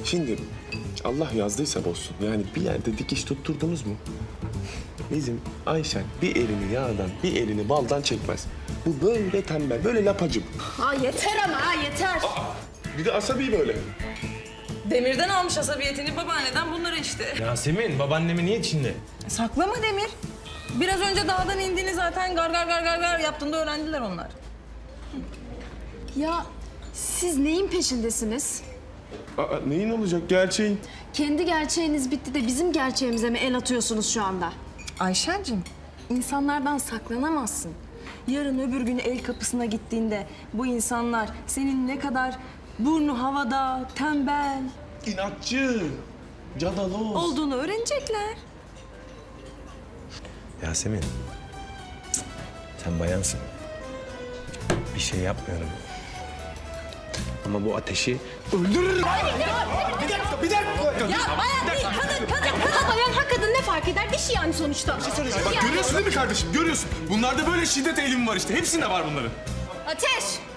Şimdi Allah yazdıysa bozsun. Yani bir yerde dikiş tutturdunuz mu? Bizim Ayşen bir elini yağdan, bir elini baldan çekmez. Bu böyle tembel, böyle lapacım. Ha yeter ama ha yeter. Bir de asabi böyle. Demir'den almış asabiyetini babaanneden bunları işte. Yasemin, babaannemin niye içinde? Saklama Demir. Biraz önce dağdan indiğini zaten gar gar gar gar gar yaptığında öğrendiler onlar. Ya siz neyin peşindesiniz? Aa, neyin olacak? Gerçeğin. Kendi gerçeğiniz bitti de bizim gerçeğimize mi el atıyorsunuz şu anda? Ayşen'cim, insanlardan saklanamazsın. Yarın öbür gün el kapısına gittiğinde bu insanlar senin ne kadar burnu havada, tembel İnatçı, cadaloz. olduğunu öğrenecekler. Yasemin, sen bayansın. Bir şey yapmıyorum. Ama bu ateşi öldürürüm. Ya bayan değil, kadın. Bayan ha kadın ne fark eder? Dişi yani sonuçta. Bak görüyorsun değil mi kardeşim? Görüyorsun. Bunlarda böyle şiddet eğilimi var işte. Hepsinde var bunların. Ateş!